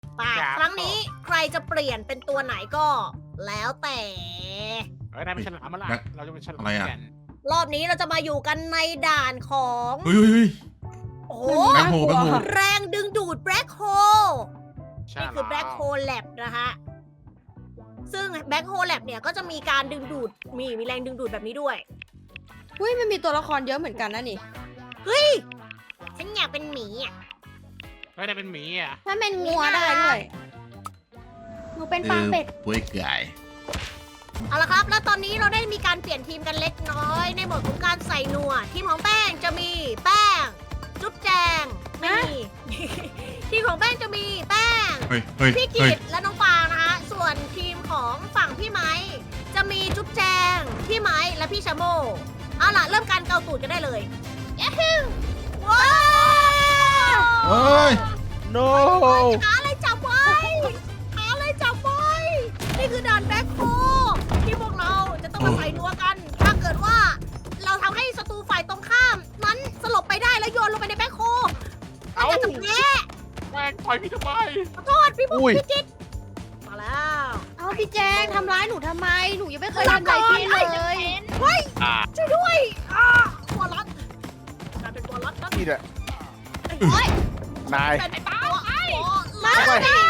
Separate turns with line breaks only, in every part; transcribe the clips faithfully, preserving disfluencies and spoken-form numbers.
ป่ะครั้งนี้ใครจะเปลี่ยนเป็นตัวไหนก็ แล้วแต่
เฮ้ยนายเป็นฉลามมาละเราจะเป็นฉลามกัน
รอบนี้เราจะมาอยู่กันในด่านของ
เฮ้ยเฮ้ยเฮ้ย
โอ้โห
แบ็คโฮแบ็คโฮ
แรงดึงดูดแบล็คโฮ
ใช่
นี่คือแบล็คโฮแลบนะฮะ ซึ่งแบล็คโฮแลบเนี่ยก็จะมีการดึงดูด มีมีแรงดึงดูดแบบนี้ด้วย
อุ้ยมันมีตัวละครเยอะเหมือนกันนะนี่
เฮ้ย ฉันอยากเป็นหมีอ่ะ
เฮ้ยนายเป็นหมีอ่ะ
ถ้าเป็นงัวได้ด้วยหนูเป็นปลาเป็ด
ป่วยไก่
เอาละครับ แล้วตอนนี้เราได้มีการเปลี่ยนทีมกันเล็กน้อย ในโหมดของการใส่นัว ทีมของแป้งจะมีแป้ง จุ๊บแจง ไม่มี ทีมของแป้งจะมีแป้ง
เฮ้ยเฮ้ย
พี่
เฮ้
กิ
ย
ตและน้องฟางนะคะ ส่วนทีมของฝั่งพี่ไม้จะมีจุ๊บแจง พี่ไม้และพี่ชาโมเอาล่ะ เริ่มการเกาตูดกันได้เลยย้าฮูว้าว
เฮ้ย
no
หาอะไรจับไว้ หาอะไรจับไว้ นี่คือด่านแบ็คโฮที่พวกเราจะต้องมาใส่นัวกัน ถ้าเกิดว่าเราทำให้ศัตรูฝ่ายตรงข้าม นั้นสลบไปได้แล้วโยนลงไปในแบ็คโฮมันก็จะแพ้
แม่งปล่อยพี่ทำไม
ขอโทษพี่บุ๊
อุ้
ค
ย
พี่กิ๊กมาแล้ว
เอาพี่แจงทำร้ายหนูทำไม หนูยังไม่เคยทำอะไรพี่เลย
เฮ้ย
อ่า
ช่วยด้วยอ่าวอลลัสกลายเป็นวอลลัสแล้ว
นี่แหละ
โอ้ย
นาย
เป็นไอ้ป้าไอ้มา
เข้าไป
ไม่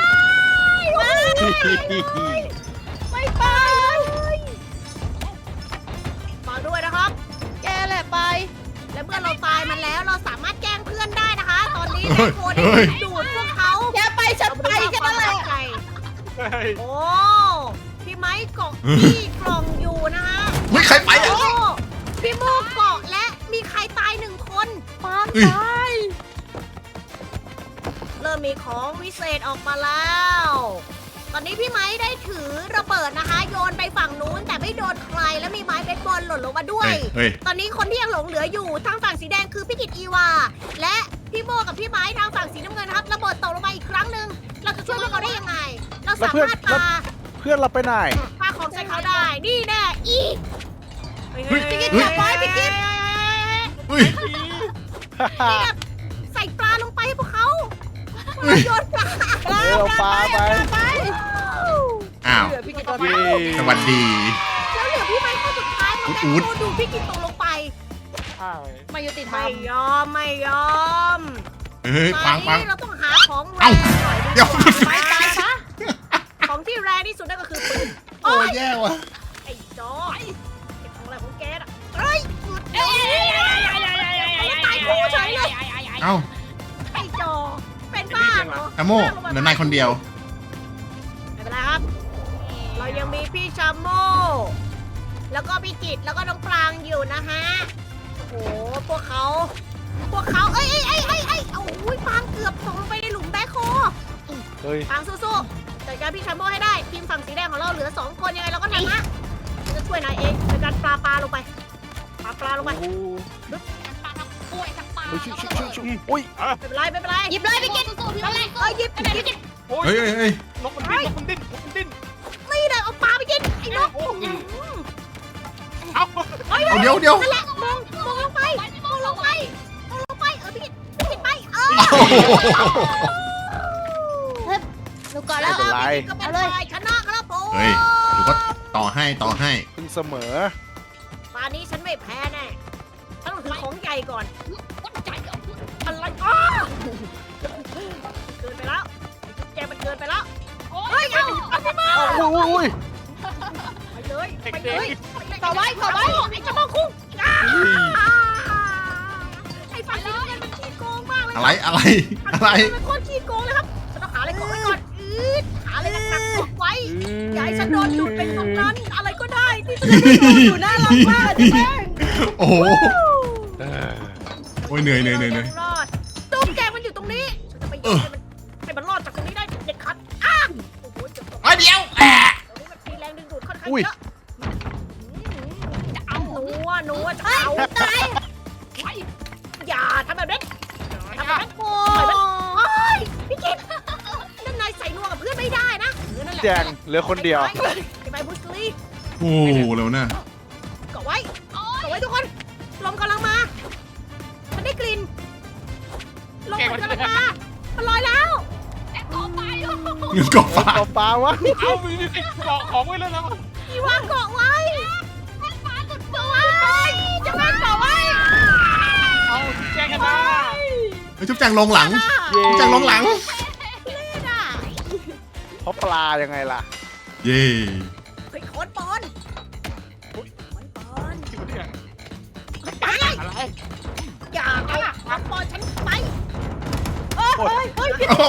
ไม่ไปฟังด้วยนะครับ
แกแหละไป
และเมื่อเราตายมันแล้วเราสามารถแกล้งเพื่อนได้นะคะ ตอนนี้
เฮ้
แม่
ย
โคได้
เฮ้ย
ดูดพวกเขา
แกไปฉันไปแค่นั้นแหละ
ใจ
เฮ้ย
โอ้พี่ไม้เกาะที่กล่องอยู่นะฮะ
เฮ้ยใครไปอ่ะ
โอ้พี่โมเกาะและมีใครตายหนึ่งคน
ปาง
เฮ้ย
ตาย
เริ่มมีของวิเศษออกมาแล้ว ตอนนี้พี่ไม้ได้ถือระเบิดนะคะ โยนไปฝั่งนู้นแต่ไม่โดนใครและมีไม้เบสบอลหล่นลงมาด้วย
เฮ้ยเฮ้ย
ตอนนี้คนที่ยังหลงเหลืออยู่ทางฝั่งสีแดงคือพี่กิตอีวา และพี่โมกับพี่ไม้ทางฝั่งสีน้ำเงินนะครับระเบิดตกลงมาอีกครั้งหนึ่งเราจะช่วยพวกเขาได้ยังไง เราสามารถปา
เพื่อนเราไปไหน
ปาของใส่เขาได้ นี่แน่อีก
เฮ้ย
พี่กิต
เฮ้ย
จับไว้พี่กิต
เฮ้ย
ใส่ปลาลงไปให้พวกเขา
เฮ้ย
โยนปลา
เดี๋ยวเราปลาไป
ไป
อ้าว
เหลือพี่กิตตัว
เย้
เดียว
สวัสดี
แล้วเหลือพี่ไม้คนสุดท้ายมา
อุ๊
แม่
ด
โคดูพี่กิตตกลงไป
ใช่
มายุติธรร
ไม่
ม
ยอมไม่ยอม
เฮ้ยฟังฟัง
ตอนนี้เราต้องหาของแร
เอ้าง
หน่อย
เดี๋ยว
ไปตายซะของที่แรงที่สุดนั่นก็คือปืน
โอ้ยแย่ว่ะ
ไอ้จอยเก็บของอะไรของแกน่ะเอ้ยหยุดเอ้ยตายคู่เฉยเลย
เอ้า
ไอ้จอเป็นบ้าเหรอ
ชาโมเหลือนายคนเดียว
ไม่เป็นไรครับ เรายังมีพี่ชาโม แล้วก็พี่กิตแล้วก็น้องปรางอยู่นะฮะ โอ้โห พวกเขา พวกเขา เอ้ยเอ้ยเอ้ยเอ้ยเอ้ยโอ้ยปรางเกือบตกลงไปในหลุมแบ็คโฮ
เฮ้ย
ปรางสู้ๆจัดการพี่ชาโมให้ได้ ทีมฝั่งสีแดงของเราเหลือสองคนยังไงเราก็ชนะเราจะช่วยนายเองในการปลาปลาลงไป ปลาปลาลงไป
โอ้โห
ปลาทั้งกล้วยทั้งปลา
เฮ้ยชิชิชิชิอุ้ย
ไม่เป็นไรไม่เป็นไร
หยิบเลยพี่กิต
สู้ๆพี่แม่
เอ้ยหยิบหยิบ
โอ้ย
เฮ้ยเฮ้ยเฮ้ย
นกมันดิ้นนกมันดิ้นนกมันดิ้น
นี่เลยเอาปลาไปกินไอ้นก
โอ้ยเอา
เฮ้ย
เอาเดี๋ยวเดี๋ยว
นั่นแหละมองมองลงไปมองลงไปมองลงไปเออพี่กิตพี่กิตไปเออ
โอ้โห
หนูก่อนแล้
ไม่
ว
เป็นไร
ก็เป็นฝ่ายชนะครับผม
เฮ้ยเดี๋ยวก็ต่อให้ต่อให้
คุณเสมอ
ตอนนี้ฉันไม่แพ้แน่ฉันต้องถือของใหญ่ก่อน
วัดใจเอาเพื่อน
อะไรอ้าเกินไปแล้วแกมันเกินไปแล้ว
โอ้
เฮ้ย
ย
เอาเอาไปมา
เอาอุ้ยอุ้ย
ไปเลยไปเล
เด็
ย
ก
ต่อไว้ต่อไว้
ไอ้เจ้าพ่อคุ้งอ้า
อุ้ย
ไอ้ฝั่งนี้มันขี้โกงมากเลย
อะไรอะไรอะไร
มันโคตรขี้โกงเลยครับฉันต้องหาอะไรกดไว้ก่อนอืดหาอะไรหนักๆกดไว้ อย่าให้ฉันโดนดูดเป็นตรงนั้นอะไรก็ได้ที่จะ
อยู่น่ารักมากจ้ะแม่ง
โอ้โห
เออ
โอ้ยเหนื่อยเหนื่อยเหนื่อยเหนื่อย
รอดตุ้มแกมันอยู่ตรงนี้ฉันจะไปยิงให้มันให้มันรอดจากตรงนี้ได้เด็ดขาดอ้าโอ้โหเจ็บตรง
เอ้ยเดี๋ยวแอะ
นี้มันมีแรงดึงดูดค่อนข้าง
อุ้ย
เยอะจะเอาหนูอ่ะหนูอ่ะจะเอาตายอย่าทำแบบนั้นอย่าทำแบบนั้นโอ้ยพี่กิตนั่นนายใส่นัวกับเพื่อนไม่ได้นะเออนั่นแหละ
แจงเหลือคนเดียว
ไปไปบุสลี
โอ้โหเร็วนะ
เกาะไว้เกาะไว้ทุกคน ลมกำลังมา ฉันได้กลิ่น ลมมันกำลังมา มันลอยแล้ว
แอคต่อไปโอ้โห
กบฟ้า
ปลาปลาวะ
เอามีมีติดเกาะของไว้แล้วนะ
พี่วางเกาะไว้แม่ฟ้าสุดตัวจะแม่เกาะไว้
เอาแจ้งกันนะ
เฮ้ยจุ๊บแจงลงหลัง
เย่
จุ๊บแจงลงหลัง
เล่นอ่ะ
เพราะปลายังไงล่ะ
เย่
เฮ้ยโคนปอนโคนปอน
ที่มันเนี่ย
ไป
อะไร
อย่าเอาโคนปอนฉันไปเฮ้ยเฮ้ยพี่
โอ้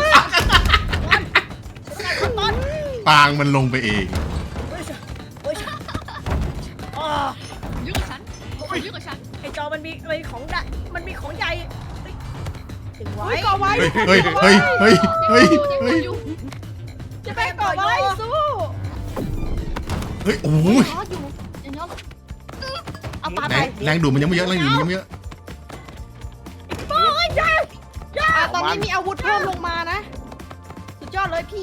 โคนปอน
ปางมันลงไปเอง
เฮ้ยเฮ้ยอ๋อ
ยุ่งกับฉันยุ่งกับฉัน
ไอจอมันมีมันมีของใหญ่มันมีของใหญ่เฮ้ยถึงไว้
เฮ้ยก่อไว้
เฮ้ยเฮ้ยเฮ้ยเฮ้ยเฮ้ย
เฮ้
เฮ้ย
ยุ่ง
จะไปก่อไว้สู้
เฮ้ยโอ้ย
อ๋ออยู่อย่างนี้
เอาปลา
แร
ไป
งแรงดูดมันยังไม่เยอะแรงดูดมันยังไม่เยอะ
โอ้ยใหญ่ใหญ่
อ่ะตอนนี้มีอาวุธเพิ่มลงมานะ สุดยอดเลยพี่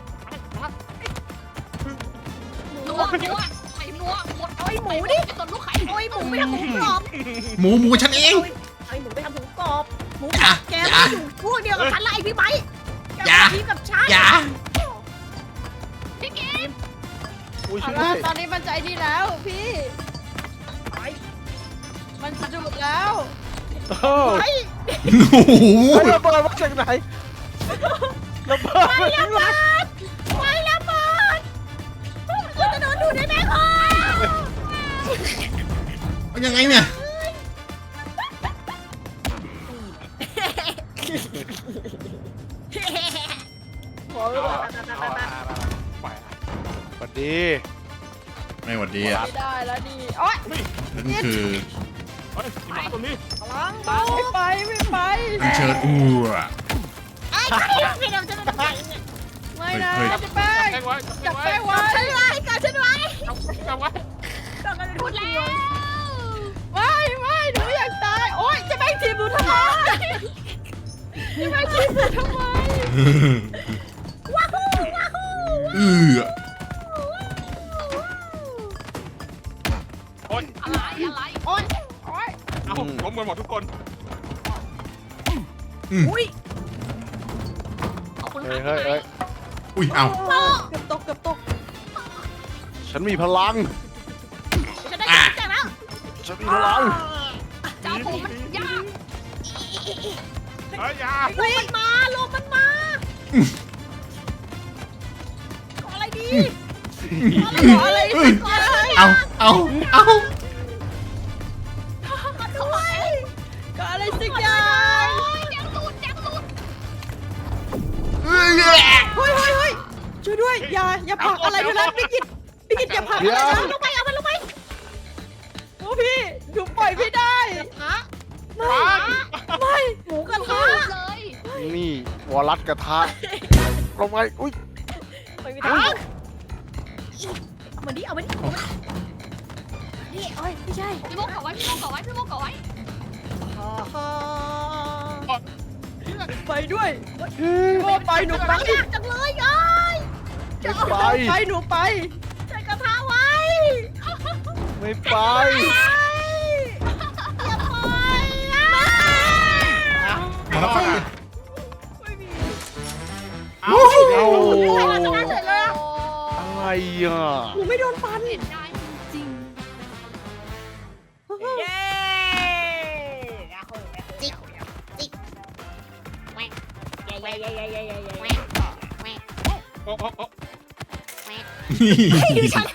นัวนัวไข่นัวหมด
เอาไอหมูดิ
ไอ้ต้นลูกไข่
เอาไอหมูไปทำหมูกรอบ
หมูหมูฉันเอง
เอาไอหมูไปทำหมูกรอบหมูก
อ
ร
ย่า
อบแก
อย่า
ไม่อยู่พวกเดียวกับฉันละไอพี่ไบค์แก
อย่า
มาทีมกับฉัน
อย่า
พี่เกม
อุ้ย
เอา
ช่วยด้
ละ
วย
ตอนนี้มันใจดีแล้วพี่
ไป
มันสะดุดแล้ว
โอ้
ไป
โอ้โห
เฮ้ยระเบิดมาจากไหนระเบิด
ไป
มา
แล้
จาก
ว
ไหน
เบิดไปแล้วเบิดเราจะโดนดูดได้ไหมคอ
เอายังไงเนี่ย
โอ้ย
ไป
สวัสดี
ไม่หวัดดีอ่ะ
ไม่ได้แล้วนี่โอ๊ย
นั่นคือ
เฮ้ยหมาตัวนี้
พลัง
ไม่ไปไม่ไป
อันเชิญอู้อะ
ไอ้ใครให้เราจะเป็นใครเนี่ย
ไม่นะ
เฮ้ย
จะแป้ง
แจ้งไว้
จับ
แจ้
แป้
ง
ง
ไว้
ไว้
ฉันไว้กับฉันไว้
แจ้งไว้
ก็กันเป็น
พู
พู
ด
ด
แล้
แล้ว ว
ไม่ไม่หนูอยากตายโอ๊ยจะแป้งทีมหนูทำไมจะแป้งทีมหนูทำไม
ว้าฮู้ว้าฮู้
อือ
โอ๊ย
อะไรอะไร
โอ๊ยโอ๊ย
เอาล้มกันหมดทุกคน
อุ้ย
ขอบคุณ
เฮ้
ค่ะ
ยเฮ้ยเฮ้ย
อุ้ยเอา
เกือบตกเกือบตก
ฉันมีพลัง
ฉันได้จับแจกแล้ว
ฉันมีพลัง
เจ้าผมมันยาก
เฮ้ยยา
ลงมันมาลงมันมาขออะไรดีขออะไร
เอ้ย
ขออะไร
เอาเอาเอา
ขอด้วย
ก็อะไรสักอย่าง
แจ้งตูดแจ้งตูด
เอ้ย
เฮ้ยเฮ้ยเฮ้ยช่วยด้วยอย่าอย่าผลักอะไรทั้งนั้นพี่กิตพี่กิตอย่าผลักอะไร
เดี๋ยว
นะ
ลงไปเอามันลงไป
โอ้พี่หนูปล่อยไม่ได้
ฮะ
ไม่ไม่
หมูกระ
ตู
ทะ
ดเลย
นี่วอลัสกระทะลงไปอุ้ย
ไม่มีทางเอามันดิเอามันดิเอามันดิ
นี่โอ้ยไม่ใช่
พี่โมกเกาะไว้พี่โมกเกาะไว้พี่โมกเกาะไว้
ฮ่าฮ่า
ไปด้วยโอ้ไปหนูไป
ยากจังเลยยาย
ไม่ไป
ไปหนูไป
ใส่กระทะไว้
ไม่ไป
อย่าไปอ่ะ
มาแล้วไป
ไม่มี
เอา
เอา
ใครเราชนะเฉยเลยอะ
อะไรอ่ะ
หนูไม่โดนฟัน
เห็นได้จริง
เย้จิกจิกแหวกเย้เย้เย้เย้เย้เย้เย้
โอ้โอ้โอ้
ดิฉัน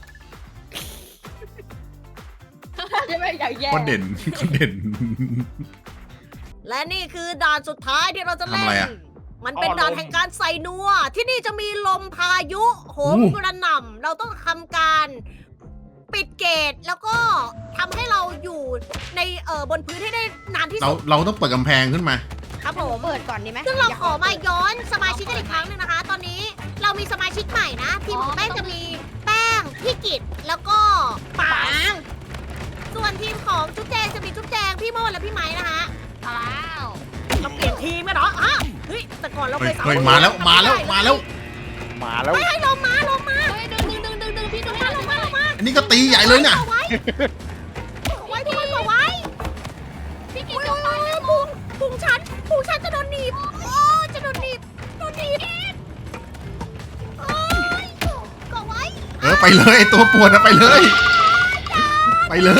ใช่ไหมอย่างแย่
คนเด่นคนเด่น
และนี่คือด่านสุดท้ายที่เราจะเล่
ทำอะไร
น
อะ
มันเป็นด่านแห่งการใส่นัว ที่นี่จะมีลมพายุโหม
อู้
กระหน่ำเราต้องทำการปิดเกตแล้วก็ทำให้เราอยู่ในเอ่อบนพื้นให้ได้นานที่
เรา
สุด
เราต้องเปิดกำแพงขึ้นมา
ครับผม
เปิดก่อนดีไหม
ซึ่งเราขอมาย้อนสมาชิกกันอีกครั้งหนึงนะคะ ตอนนี้เรามีสมาชิกใหม่นะ ทีมของแป้งจะมีแป้ง พี่กิตแล้วก็ปาง ส่วนทีมของจุ๊บแจงจะมีจุ๊บแจง พี่โมดและพี่ไม้นะคะ
เอาแล้ว
เราเปลี่ยนทีมกันเหรอฮะเฮ้ย แต่ก่อนเรา
เฮ้
เค
ย
ยสาม
เฮ้ย
คน
มาแล้วมาแล้วมาแล้ว
มาแล้ว
ไม่ให้ลงมาลงมา
เฮ้ยดึงดึงดึงดึงดึงพี่ดึง
มาลงมาลงมา
อันนี้ก็ตีใหญ่เลยน่ะ
อาไว้เอาไว้ทุกคนเอาไว้
พี่กิ
โอ้
น
ย
เดี๋ยว
โอ้
ตาย
ย
แล้ว
พุงพุงฉันพุงฉันจะโดนหนีบโอ้จะโดนหนีบโดนหนีบ
ไปเลยไอ้ตัวปวดอะไปเลย ไปเลย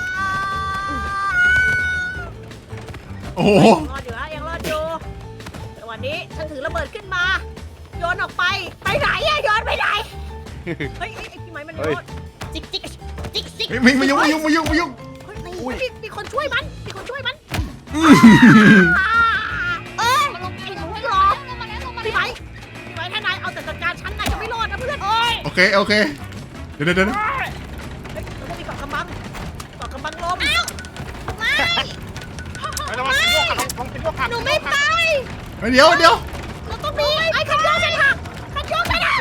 โอ้โห
รอดอยู่นะยังรอดอยู่แต่วันนี้ฉันถือระเบิดขึ้นมา โยนออกไป ไปไหนอะโยนไปไหน เฮ้ยไอ้ไอ้พี่ไม้มันโยนจิกจิกจิกจิก
เฮ้ยไม่ไม่ยุ่งไม่ยุ่งไม่ยุ่งไม่ยุ่ง
เฮ้ยมีมีคนช่วยมัน มีคนช่วยมัน
อื้อ
อ่าเอ้ย
มาลงไป
ไอ้ห
ล
นู
ง
ไม่
ไป
ร
ร
อ
อลงมาแล้วลงมา
พี่
แล้ว
ไม้พี่ไม้ถ้านายเอาแต่จัดการฉันนายจะไม่รอดนะเพื่อนเอ้ย
โอเคโอเคเดี๋ยวเดี๋ยวเดี๋ยว
เฮ้ยเราต้องมีเกาะกำบังเกาะกำบังลมไม่
ไประวังเป็นพวกขัดลองเป็นพวกขัด
หนูไม่ไป
เฮ้ยเดี๋ยวเดี๋ยว
เราต้องมีไอ้คันโยกฉันหักคันโยกฉันหัก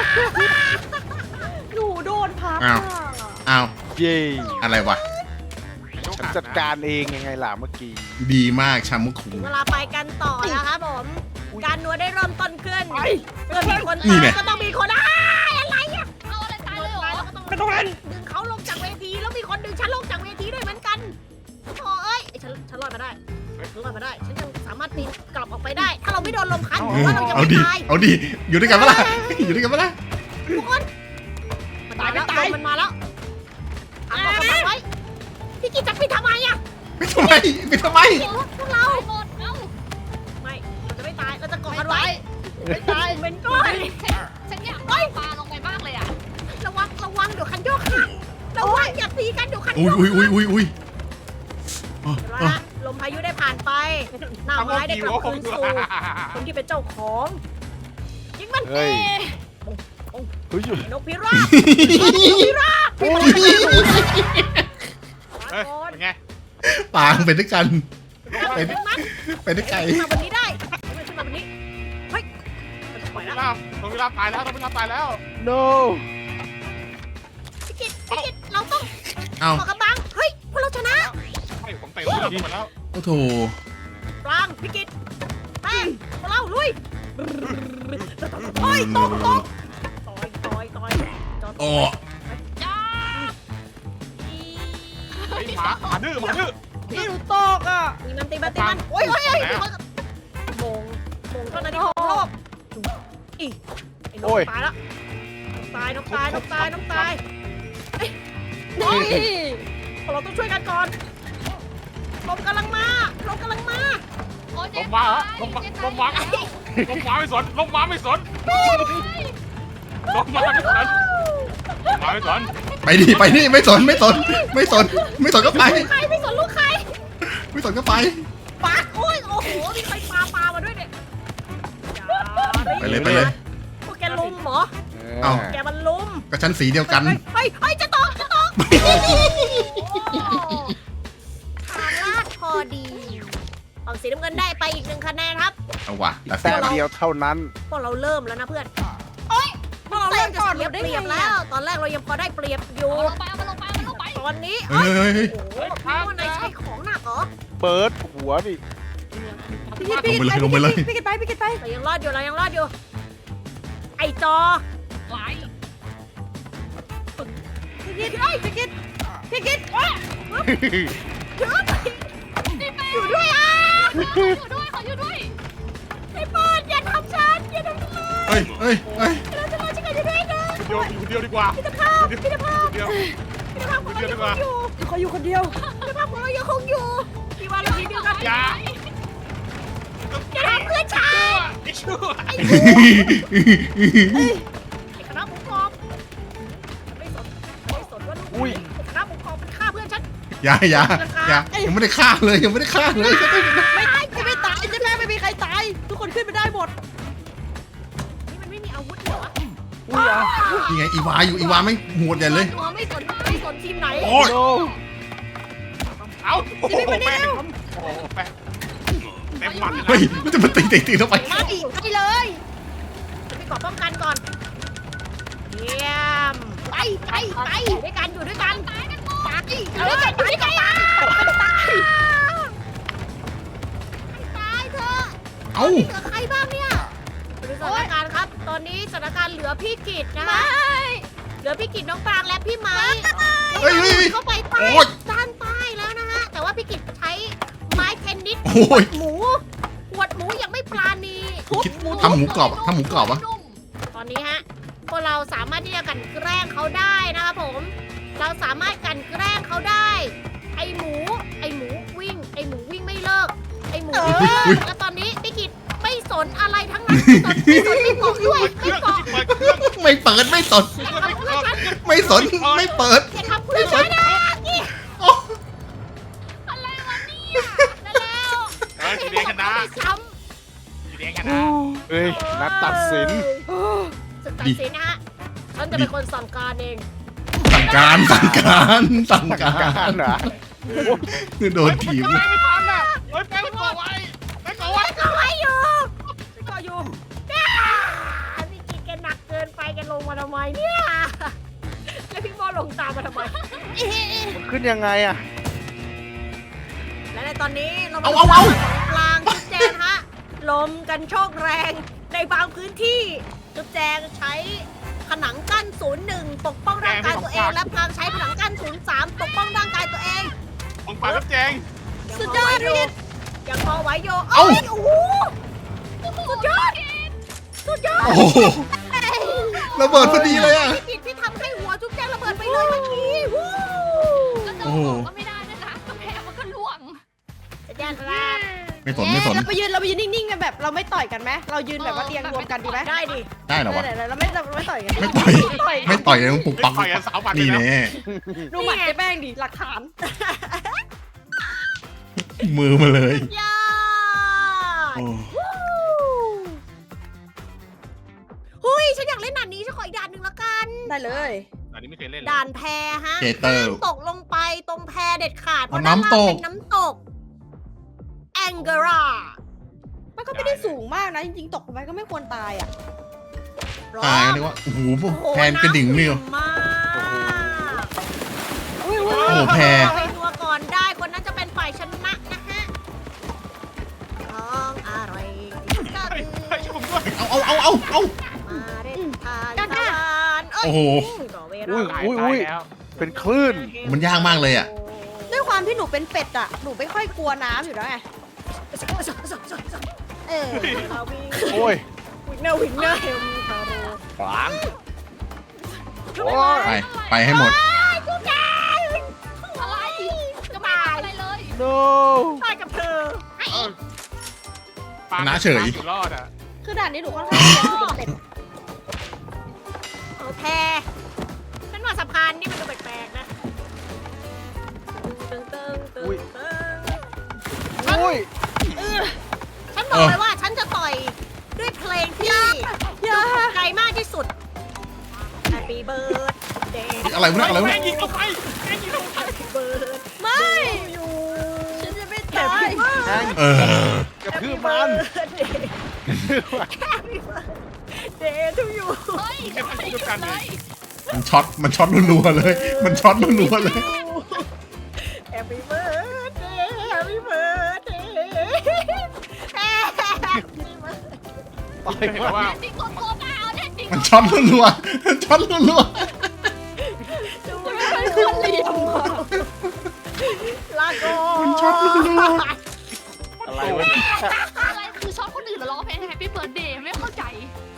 หนูโดนพับ
อ้าวอ้าว
เย่
อะไรวะ
ฉันจัดการเองยังไงล่ะเมื่อกี้
ดีมากชามุคุง
เวลาไปกันต่อนะคะผม การนัวได้เริ่มต้นขึ้นเมื่อมีคน
นี่
ตาย
ไง
ก็ต้องมีคนอ้ายอะไรอ่ะ
เอาอะไรตายเลยเหรอ
ตายแล้วก็ต้องไม่ต้องเล่นดึงเขาลงจากเวทีแล้วมีคนดึงฉันลงจากเวทีด้วยเหมือนกันโอ้เอ้ยไอ้ฉันฉันรอดมาได้ฉันรอดมาได้ ฉันยังสามารถปีนกลับออกไปได้ ถ้าเราไม่โดนลมพัดหรือว่าเรายัง
เอา
ไม่
ดี
ตาย
เอาดีอยู่ด้วยกันปะล่ะอยู่ด้วยกันปะล่ะ
ทุกคนมันตายแล้วลมมันมาแล้วทำเอากำลังไว้พี่กิจจะปิดทำไมอ่ะ
ไปทำไมไปทำไม
พวกเรา
ตายหมดเอ้า
ไม่เราจะไม่ตายเราจะเกาะ
ไม่
กันไว้
ตายไม่ตาย
เป็นก้อน
ฉันฉันอยากปาปลาลงไปมากเลยอ่ะ
ระวังระวังเดี๋ยวคันโยกหักระวังอย่าตีกันเดี๋ยวคันโย
อุ้ย
ก
อุ้ยอุ้ยอุ้ยอุ้ยอ๋อ
เห็นไหม
อ๋อ
ฮะลมพายุได้ผ่านไป หน้าไม้ได้กลับคืนสู่คนที่เป็นเจ้าของยิงมัน
เฮ้ย
เอ้
เฮ้ย
นกพิราบนกพิราบ
เฮ้ยเป็นไง
ปางไปด้วยกัน
ไปดึงมัน
ไปด้วยกัน
ขึ้นมาบนนี้ได้ขึ้นมาบนนี้เฮ้ยมันจะปล่อย
ต้อง
แล้ว
วิลาต้องวิลาตายแล้วต้องวิลาตายแล้ว
no
พี่กิตพี่กิตเราต้อง
เอา
ขอกำบังเฮ้ยพวกเราชนะ
ไอ้ผมเตะวิลาหมดแล้ว
โอ้โถ
ปลางพี่กิตแป้งพวกเราลุยเฮ้ยตกตกต่อยต่อยต่อยจอด
โอ้
จ้า
ไอ้หมาหมาดื้อหมาดื้อ
พี่หนูตกอ่ะ
ตีมันตีมันตีมันโอ้ยโอ้ยโอ้ยโมงโมงเท่านั้นที่ของโลกอีไอ้นกตายแล้วตายนกตายนกตายนกตายเอ้ยโอ้ยเราต้องช่วยกันก่อนลมกำลังมาลมกำลังมา
โอ้ย
ล
เจ๊
มมา
ตาย
ลมมา
เจ๊
ล
ตาย
มมาลมมาไม่สนลมมาไม่สนลมมาไม่สนลมมาไม่สน
ไปดิไปดิไม่สนไม่สนไม่สนไม่สนก็ไป
ใครไม่สนลูกใคร
ไม่สนก็ไป
ปาโอ้ยโอ้โหมีใครปาปามาด้วยเนี่ย
ไปเลยไปเลย
พวกแกลุมเหรอ
เอ้า
แกมันลุม
ก็ชั้นสีเดียวกัน
เฮ้ยเฮ้ยจะตกจะตกทางลาดพอดีฝั่งสีน้ำเงินได้ไปอีกหนึ่งคะแนนครับ
เอาว่ะ
อี
แต่
กแต้มเดียวเท่านั้น
พวกเราเริ่มแล้วนะเพื่อนโอ้ยพวกเราเริ่มจะเสียเปรียบแล้ว ตอนแรกเรายังพอได้เปรียบอยู่
เอาลงไปเอามาลงไปเอามาลงไป
ตอนนี้
เฮ้ยเฮ้ยเฮ้ย
โอ้โหคิดว่านายใช้ของหนักเหรอ
เปิดหัวดิ
พี่กิตพี่กิต
ลงไปเลย
พี่กิตไปพี่กิตไป
เรายังรอดอยู่เรายังรอดอยู่ ไอจอ
ไหล
พี่กิตเอ้ยพี่กิตพี่กิตว้า
อยู่ด้วยอ่ะ
อยู่ด้วยขออยู่ด้วย
ไอ้ปอนอย่าทำฉันอย่าทำฉันเลย
เฮ้ยเฮ้ยเฮ้ย
เราจะรอฉันกันอยู่ด้วยนะ
เดียวอยู่เดียวดีกว่า
พิธภาพพิธภาพ
เดียว
พิธภาพของเรายังคงอยู่
ขออยู่คนเดียว
พิธภาพของเรายังคงอยู่พี่ว่าเราทีเดียวกัน
อย่า
อย่าทำเพื่อนฉัน
ไอ้ชั่ว
ไอ้คณะปกครองฉันไม่สนฉันไม่สนว่าลูก
อุ้ย
ไอ้คณะปกครองมันฆ่าเพื่อนฉัน
อย่าอย่าอย่ายังไม่ได้ฆ่าเลยยังไม่ได้ฆ่าเลย
ไม่ตายไม่ตายจะแม่ไม่มีใครตาย ทุกคนขึ้นไปได้หมด
นี่มันไม่มีอาวุธเหรอวะ
อุ้ยอ่ะ
นี่ไงอีวาอยู่อีวาไม่โหดใหญ่เลย
ตัวไม่สนไม่สนทีมไหน
โอ้ย
no
เอาโอ้โหแป้งโอ้โหแป้งเต็มหมัดเลย
เฮ้ยมันจะมาตีตีตีเข้าไป
มาดิไปเลยฉันไปกอดป้องกันก่อนเยี่ยมไปไปไปอยู่ด้วยกันอยู่ด้วยกันตายกันหมดตายเออตายกันตายตายให้ตายเถอะ
เอ้า
เหลือใครบ้างเนี่ยดูสถานการณ์ครับ ตอนนี้สถานการณ์เหลือพี่กิตนะคะเหลือพี่กิตน้องปรางและพี่ไม้
เฮ้ยเฮ้ยเฮ้ย
เข้าไปใต้
โอ้ย
ด้านใต้แล้วนะฮะ แต่ว่าพี่กิตใช้ไม้เทนนิส
โอ้ย
หมูหวดหมูยังไม่ปราณี
คิดทำหมูกรอบอะทำหมูกรอบอะ
ตอนนี้ฮะพวกเราสามารถที่จะกลั่นแกล้งเขาได้นะครับผม เราสามารถกลั่นแกล้งเขาได้ ไอหมู ไอหมูวิ่ง ไอหมูวิ่งไม่เลิก ไอหมูวิ่งไม่เลิกแล้วตอนนี้พี่กิตไม่สนอะไรทั้งนั้นไม่สนไม่สนไม่เกาะด้วยไม่เกาะ
เปิดเครื่อง
ไม่เปิดไม่สน
อย่าทำเพื่อนฉัน
ไม่สนไม่เปิด
อย่าทำเพื่อนฉันนะนี่
โอ้
อะไรวะเนี่ยนั่นแล้ว
เออสีแดงชนะ
ไม่ซ้
สีแดงชนะ
เฮ้ย
ำ
นัดตัดสิน
สุดตัดสินนะฮะ ฉันจะเป็นคนสั่งการเอง
สั่งการสั่งการสั่งกา
การ รเหรอ
โดนถีบ
ไม่ไม่ทันอ่ะเฮ้ยแป้งก่อไว้แป้งก่อไว้
ก็ไว้อยู่ก็อยู่เนี่ยพี่กินแกหนักเกินไปแกลงมาทำไมเนี่ยแล้วพี่บอลลงตามมาทำไม
มันขึ้นยังไงอะ
และในตอนนี้เรา
เอาเอาเอา
กลางจุดแจงฮะลมกันโชกแรงในบางพื้นที่จุดแจงใช้ผนังกั้นศูนย์หนึ่งปกป้องร่างกายตัวเอง และพลางใช้ผนังกั้นศูนย์สามปกป้องร่างกายตัวเอง
ของปากกับแจง
สุดยอดพี่ยังพอไหวโยเอ้ยโอ้โหสุดยอดสุดยอด
โอ้โหระเบิดพอดีเลยอ่ะ
พี่กิตพี่ทำให้หัวจุ๊บแจงระเบิดไปเลยเมื่อกี้วู้
ก็จะ
โอ้โห
บอกก็ไม่ได้นะนะกำแพงมันก็ล่วง
สุดยอดครับ
ไม่สนไม่สน
เราไปยืนเราไปยืนนิ่งๆกันแบบเราไม่ต่อยกันไหมเรายืนแบบว่าเรียงรวมกันดีไหม
ได้ดิ
ได้เหรอวะ
ไหนๆเราไม่เราไม่ต่อยกัน
ไม่ต่อยไม่ต่อยเลยต้องปุกปัก
ต่อยกันสาวบัตร
นี่
เลย
แน่
ดูหมัดเจ๊แป้งดิหลักฐาน
มือมาเลย
ยอด
โอ้
ฮู้หุ้ยฉันอยากเล่นด่านนี้ฉันขออีกด่านหนึ่งละกัน
ได้เลย
อันนี้ไม่เคยเล่นเลย
ด่านแพฮะ
เจเตอร์
ห้ามตกลงไปตรงแพเด็ดขาดเพ
อ๋อ
ราะด้านล่าง
น้ำตก
เป็นน้ำตกแองเกรา
มันก็ไม่ได้สูงมากนะจริงๆตกลงไปก็ไม่ควรตายอ่ะ
ตายนึกว่าโอ้โหแพนกระดิ่งนี่
น้ำขุ่นมาก
อุ้ย
โอ้โหแพ
ไปนัวก่อนได้คนนั้นจะเป็นฝ่ายชนะนะฮะของอร่อยก็
เฮ้ย
คือ
เฮ้ยช่วยผมด้วย
เอาเอาเอาเอาเอา
มาเด็ดทานทานเอ้ย
โอ้โห
ต่อเว
อุ้ย
ลา
อุ้ยอุ้ย
แล้ว
เป็นคลื่น
มันยากมากเลยอ่ะ
ด้วยความที่หนูเป็นเป็ดอ่ะหนูไม่ค่อยกลัวน้ำอยู่แล้วไง
เออเราวิ่ง
โอ้ย
วิ่งเนอร์วิ่งเนอร์เฮมคาโร
ขวาง
โอ้ย
ไปไปให้หมด
จุ๊บแจง
อะไรก็ไม่ทำอะไรเลย
no
ตายกับเธอ
เออปา
ชนะเฉย
อยู่รอดอ่ะ
คือด่านนี้หนูค่อนข้างเรียนคือเป็นเป็ด
โอเคฉันว่าสะพานนี่มันดูแปลกๆนะตึงตึงตึง
อุ้ย
ตึง
อุ้ย
ฉันบอกเลยว่าฉันจะต่อยด้วยเพลงที่ดูถูกใจมากที่สุด Happy birthday
อะไรวะเนี่ยอะไรวะ
แม่
เนี่ย
งยิงเข้าไปแม่งยิงเข้าไป
Happy birthday
ไม่ฉันจะไม่ตาย
แทง
เออก
ระทืบมัน
Happy birthday to you
เฮ้ยไม่ทำอะไรเลย
มันช็อตมันช็อตรัวๆเลย มันช็อตรัวๆเลย
Happy birthday Happy birthday Happy birthday
ต่อย
เห็น
มัน
ว่า
จริงตัวโตเปล่าเนี่ยจริง
มันช็อตรัวๆมันช็อตรัว
ดูไม่ควรเหลี่ยมอะลาก่อน
มันช็อตรัว
อะไรวะเนี่ย
อะไรคือชอบคนอื่นแล้วร้องเพลงแฮปปี้เบิร์ดเดย์ไม่เข้าใจ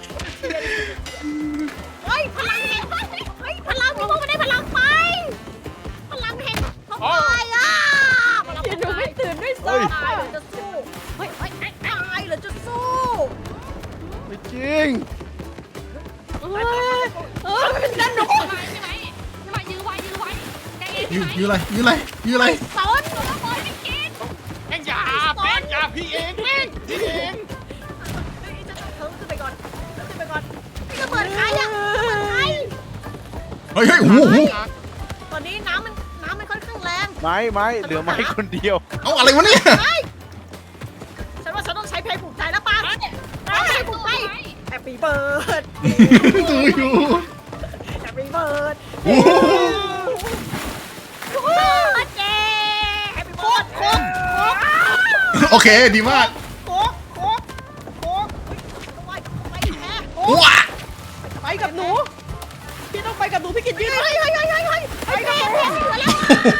เฮ้ยพลังแห่งเฮ้ยพลังพี่โมไม่ได้พลังไฟพลังแห่งทำไมอ่ะพลัง
เดี๋ยวหนูไม่ตื่นด้วย
ตา
ซ้ำ
ยหรือจะสู้เฮ้ยเฮ้ยตายหรือจะสู้
ไม่จริง
เออเออมันเป็นนั่นหนู
ใช่ไหมใช่ไหมใช่ไหมยื้อไว้ยื้อไว้ใจเย็น
ๆยื
ใช่
ด
ไหม
ยืดอะไรยืดอะไรยืดอะไร
สอน
ตัวบอยไม่กิน
แม่งอยาแม่งอยาพี่เองแม่งพี่เอง
เฮ้ยจะเพิ่มขึ้นไปก่อนเพิ่มขึ้นไปก่อนนี่ระเบิดใครอ่ะระเบิดใคร
เฮ้ยเฮ้ยโอ้โห
ตอนนี้น้ำมันน้ำมันค่อนข้างแรง
ไม้ไม้เหลือไม้คนเดียว
เอาอะไรวะเนี่ย
ฉันว่าฉันต้องใช้เพลงปลุกใจแล้วป่ะเอาเพลงปลุกใจ Happy birthday
ดูอยู่
Happy birthday
โอ้โห
birthday Happy birthday
โอเคดีมาก
โค้กโค้กโค้กไปไปแพ้
ว้า
ไปกับหนูพี่ต้องไปกับหนูพี่กินยืน
เฮ้ยเฮ้ยเฮ้ยเฮ้ยเฮ้ยเฮ้ยแพ้แพ้เหลือแล้ว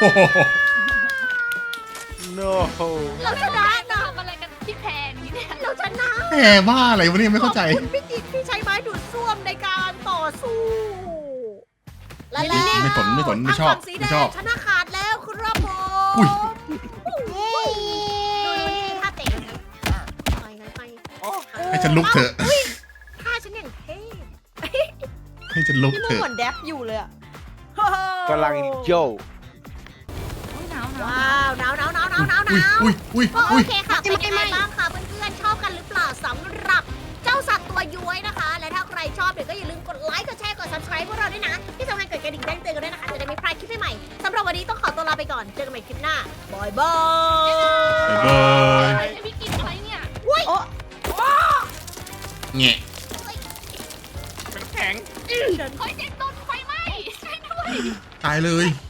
no
เราชนะนะ
ทำอะไรกันที่แพงนี่เนี่ย
เราชนะ
แหมบ้าอะไรวะเนี่ยไม่เข้าใจ
ขอบคุณพี่กิ๊กที่ใช้ไม้ดูดซ่วมในการต่อสู้และแล้ว
ไม่สนไม่สนไม่ชอบ
ทางฝั่งสีแด
ไม่ชอบ
งชนะขาดแล้วครับผม
อุ้ย
ดูนี่ท่าเตะไปไงไป
ให้ฉันลุกเถอะ
อุ๊ยท่าฉันอย่างเท่
ให้ฉันลุก
พี่
เถ
นุ่น
อะ
เหมือนแดบอยู่เลยอะ
กำลังโย
หนาวหนาว
ว้าวหนาวหนาวหนาวหนาวหนาวหนาว
อุ้ยอุ้ย
ก็โอ
อุ้ย
เคค่ะเป็นยังไงบ้างคะเพื่อนๆชอบกันหรือเปล่าสำหรับเจ้าสัตว์ตัวย้วยนะคะ และถ้าใครชอบเดี๋ยวก็อย่าลืมกดไลค์กดแชร์กด subscribe พวกเราด้วยนะที่สำคัญกดกระดิ่งแจ้งเตือนกันด้วยนะคะจะได้ไม่พลาดคลิปใหม่ๆสำหรับวันนี้ต้องขอตัวลาไปก่อนเจอกันใหม่คลิปหน้าบายบาย
บ๊ายบาย
ไอ้พี่กินอะไรเนี่ย
โอ้
แงะ
เป็นแข็ง
เฮ้ยเจ๊โดนไฟไหม้ช่วยด้วย
ตายเลย